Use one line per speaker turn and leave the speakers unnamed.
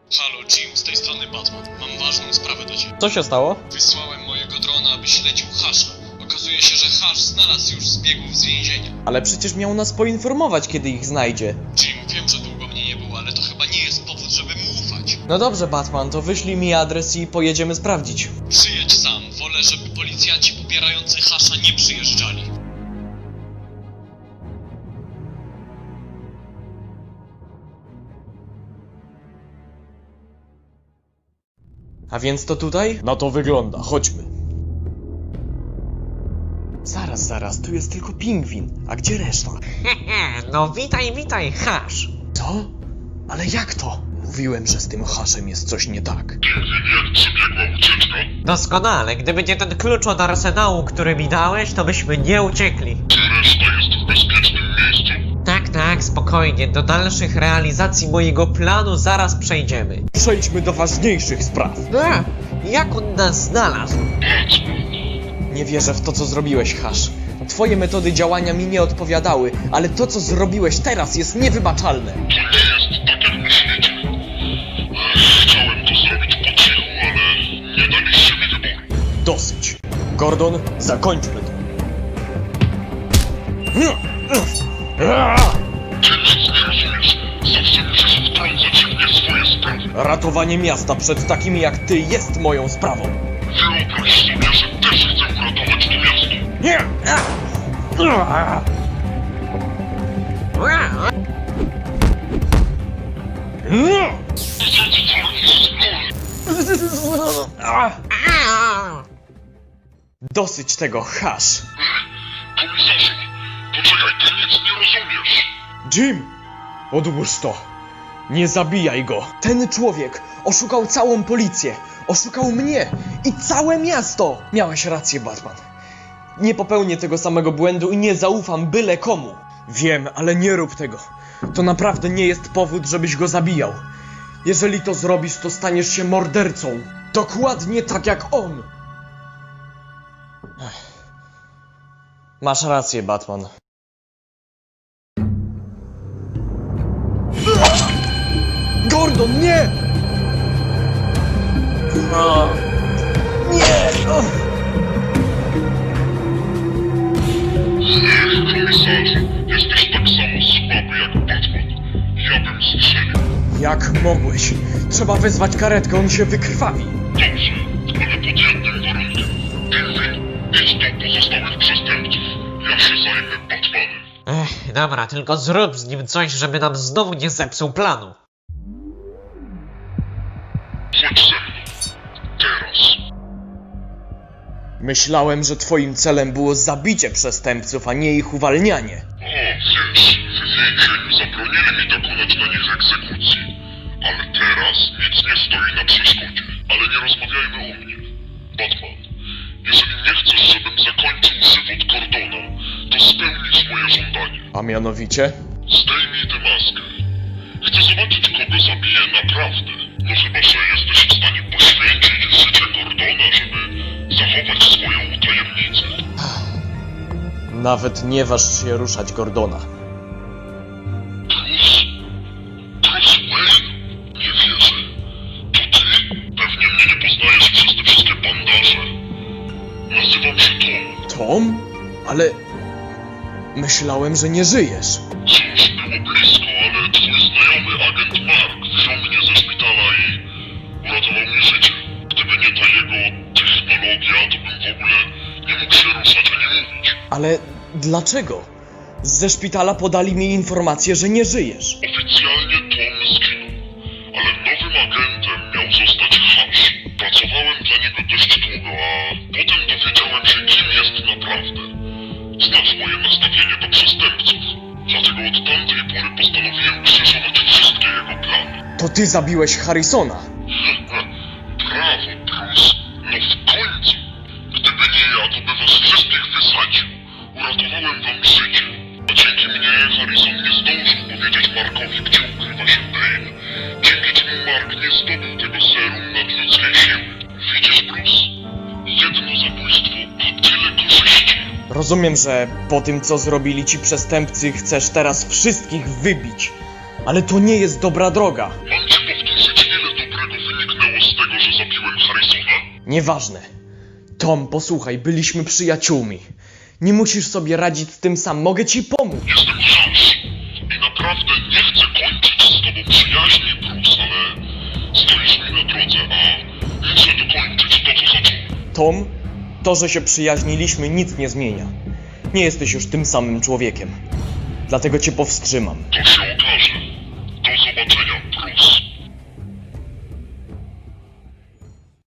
Halo Jim, z tej strony Batman. Mam ważną sprawę do ciebie.
Co się stało?
Wysłałem mojego drona, aby śledził Hasha. Okazuje się, że Hash znalazł już zbiegów z więzienia.
Ale przecież miał nas poinformować, kiedy ich znajdzie.
Jim, wiem, że długo mnie nie było, ale to chyba nie jest powód, żeby mu ufać.
No dobrze, Batman, to wyślij mi adres i pojedziemy sprawdzić.
Przyjedź sam. Wolę, żeby policjanci popierający Hasha nie przyjeżdżali.
A więc to tutaj? No to wygląda, chodźmy. Zaraz, tu jest tylko pingwin. A gdzie reszta?
No witaj, Hash.
Co? Ale jak to? Mówiłem, że z tym Hashem jest coś nie tak.
Doskonale, gdyby nie ten klucz od arsenału, który mi dałeś, to byśmy nie uciekli.
Reszta jest w bezpiecznym miejscu.
Tak, spokojnie, do dalszych realizacji mojego planu zaraz przejdziemy.
Przejdźmy do ważniejszych spraw.
Jak on nas znalazł?
Nie wierzę w to, co zrobiłeś, Hash. Twoje metody działania mi nie odpowiadały, ale to, co zrobiłeś teraz, jest niewybaczalne.
To nie jest tak, jak myślicie. Chciałem to zrobić po cichu, ale nie daliście mi wyboru.
Dosyć. Gordon, zakończmy to.
Ty nic nie rozumiesz. Zawsze musisz wtrącać się w nie swoje sprawy.
Ratowanie miasta przed takimi jak ty jest moją sprawą.
Wyobraź sobie, że też chcę uratować to miasto.
Nie! Dosyć tego, Hash.
Komisarzu, poczekaj, ty nic nie rozumiesz.
Jim! Odłóż to. Nie zabijaj go. Ten człowiek oszukał całą policję. Oszukał mnie i całe miasto. Miałeś rację, Batman. Nie popełnię tego samego błędu i nie zaufam byle komu. Wiem, ale nie rób tego. To naprawdę nie jest powód, żebyś go zabijał. Jeżeli to zrobisz, to staniesz się mordercą. Dokładnie tak jak on. Masz rację, Batman. Gordon, nie! Nie!
Komisarzu, jesteś tak samo słaby jak Batman. Ja bym strzelił.
Jak mogłeś? Trzeba wezwać karetkę, on się wykrwawi.
Dobrze, ale pod jednym warunkiem. Pingwin, idź do pozostałych przestępców. Ja się zajmę Batmanem.
Dobra, tylko zrób z nim coś, żeby nam znowu nie zepsuł planu.
Chodź ze mną. Teraz.
Myślałem, że twoim celem było zabicie przestępców, a nie ich uwalnianie.
O, wiesz, w więzieniu zabronili mi dokonać na nich egzekucji. Ale teraz nic nie stoi na przeszkodzie. Ale nie rozmawiajmy o mnie. Batman, jeżeli nie chcesz, żebym zakończył żywot Gordona, to spełnisz moje żądanie.
A mianowicie?
Zdejmij tę maskę. Chcę zobaczyć, kogo zabiję naprawdę. No chyba, że jesteś w stanie poświęcić życie Gordona, żeby zachować swoją tajemnicę.
Nawet nie waż się ruszać Gordona.
Bruce Wayne? Nie wierzę. To ty? Pewnie mnie nie poznajesz przez te wszystkie bandaże. Nazywam się Tom.
Tom? Ale... Myślałem, że nie żyjesz.
Cóż, było blisko, ale twój znajomy, agent Mark, wziął mnie ze szpitala i uratował mi życie. Gdyby nie ta jego technologia, to bym w ogóle nie mógł się ruszać ani mówić.
Ale dlaczego? Ze szpitala podali mi informację, że nie żyjesz.
Oficjalnie Tom zginął, ale nowym agentem miał zostać Hash. Pracowałem dla niego dość długo, a potem dowiedziałem się, kim jest naprawdę. Znasz moje nastawienie do przestępców, dlatego od tamtej pory postanowiłem krzyżować wszystkie jego plany.
To ty zabiłeś Harrisona.
Brawo, Bruce. No w końcu. Gdyby nie ja, to by was wszystkich wysadził. Uratowałem wam życie. A dzięki mnie Harrison nie zdążył powiedzieć Markowi, gdzie ukrywa się Bane. Dzięki czemu Mark nie zdobył tego serum nadludzkiej siły. Widzisz, Bruce? Jedno zabójstwo, a tyle korzyści.
Rozumiem, że po tym, co zrobili ci przestępcy, chcesz teraz wszystkich wybić. Ale to nie jest dobra droga.
Mam ci powtórzyć, ile Harrisona?
Nieważne. Tom, posłuchaj, byliśmy przyjaciółmi. Nie musisz sobie radzić z tym sam, mogę ci pomóc.
Jestem Harris i naprawdę nie chcę kończyć z tobą przyjaźni, Bruce, ale stoisz mi na drodze, a muszę dokończyć to, co zacząłem.
Tom, to, że się przyjaźniliśmy, nic nie zmienia. Nie jesteś już tym samym człowiekiem. Dlatego cię powstrzymam.
To się okaże. Do zobaczenia.